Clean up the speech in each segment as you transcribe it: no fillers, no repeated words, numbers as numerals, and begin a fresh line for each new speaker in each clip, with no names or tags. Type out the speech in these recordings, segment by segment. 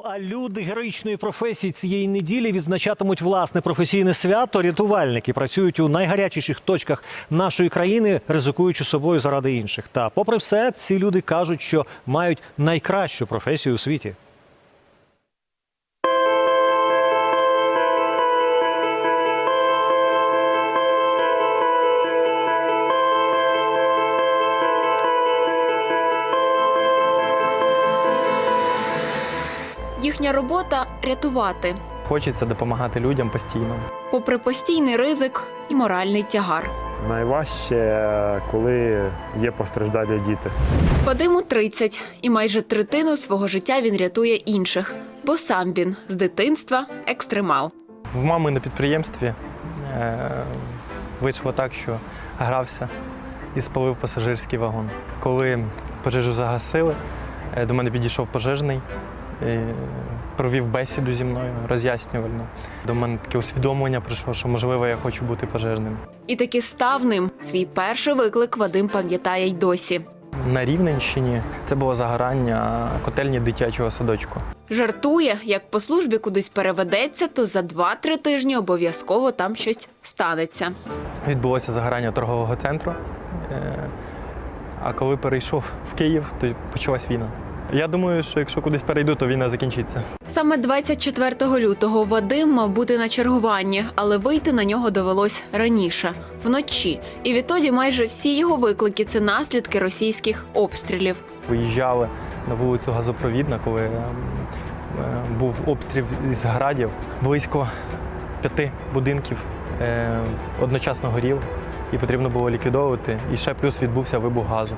А люди героїчної професії цієї неділі відзначатимуть власне професійне свято. Рятувальники працюють у найгарячіших точках нашої країни, ризикуючи собою заради інших. Та попри все, ці люди кажуть, що мають найкращу професію у світі.
Їхня робота – рятувати.
Хочеться допомагати людям постійно.
Попри постійний ризик і моральний тягар.
Найважче, коли є постраждалі діти.
Вадиму 30, і майже третину свого життя він рятує інших. Бо сам він з дитинства екстремал.
В мами на підприємстві вийшло так, що грався і спалив пасажирський вагон. Коли пожежу загасили, до мене підійшов пожежний, провів бесіду зі мною, роз'яснювальну. До мене таке усвідомлення прийшло, що, можливо, я хочу бути пожежним.
І таки став ним. Свій перший виклик Вадим пам'ятає й досі.
На Рівненщині це було загорання котельні дитячого садочку.
Жартує, як по службі кудись переведеться, то за 2-3 тижні обов'язково там щось станеться.
Відбулося загорання торгового центру, а коли перейшов в Київ, то почалась війна. Я думаю, що якщо кудись перейду, то війна закінчиться.
Саме 24 лютого Вадим мав бути на чергуванні, але вийти на нього довелось раніше, вночі. І відтоді майже всі його виклики – це наслідки російських обстрілів.
Виїжджали на вулицю Газопровідна, коли був обстріл із градів. Близько 5 будинків одночасно горів, і потрібно було ліквідовувати. І ще плюс відбувся вибух газу.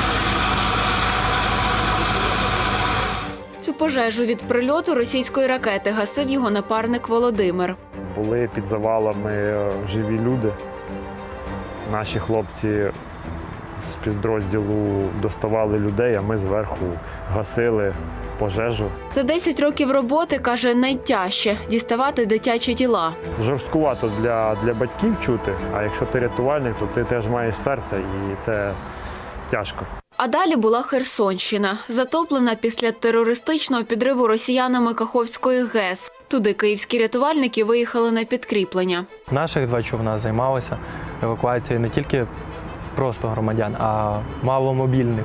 Цю пожежу від прильоту російської ракети гасив його напарник Володимир.
Були під завалами живі люди. Наші хлопці з підрозділу доставали людей, а ми зверху гасили пожежу.
За 10 років роботи, каже, найтяжче – діставати дитячі тіла.
Жорсткувато для батьків чути, а якщо ти рятувальник, то ти теж маєш серце, і це тяжко.
А далі була Херсонщина, затоплена після терористичного підриву росіянами Каховської ГЕС. Туди київські рятувальники виїхали на підкріплення.
Наших 2 човна займалися евакуацією не тільки просто громадян, а маломобільних.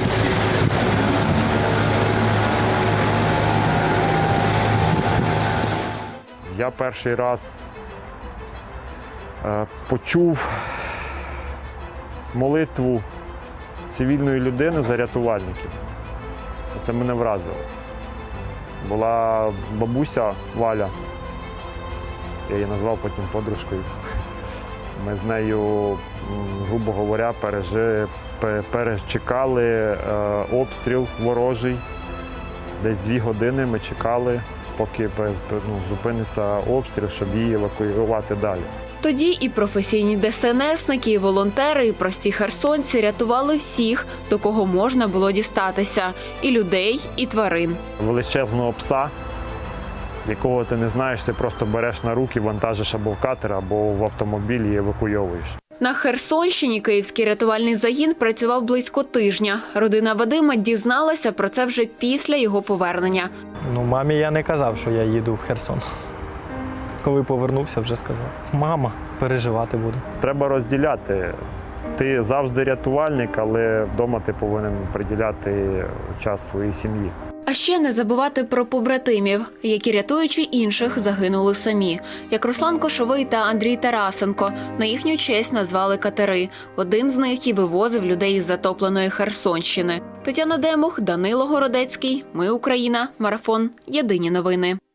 Я перший раз почув молитву цивільної людини за рятувальників. Це мене вразило. Була бабуся Валя, я її назвав потім подружкою. Ми з нею, грубо говоря, перечекали обстріл ворожий. Десь 2 години ми чекали, поки зупиниться обстріл, щоб її евакуювати далі.
Тоді і професійні ДСНСники, і волонтери, і прості херсонці рятували всіх, до кого можна було дістатися – і людей, і тварин.
Величезного пса, якого ти не знаєш, ти просто береш на руки, вантажиш або в катер, або в автомобіль і евакуйовуєш.
На Херсонщині київський рятувальний загін працював близько тижня. Родина Вадима дізналася про це вже після його повернення.
Мамі я не казав, що я їду в Херсон. Коли повернувся, вже сказав: мама, переживати буду.
Треба розділяти. Ти завжди рятувальник, але вдома ти повинен приділяти час своїй сім'ї.
А ще не забувати про побратимів, які, рятуючи інших, загинули самі. Як Руслан Кошовий та Андрій Тарасенко. На їхню честь назвали катери. Один з них і вивозив людей із затопленої Херсонщини. Тетяна Демух, Данило Городецький. Ми Україна. Марафон. Єдині новини.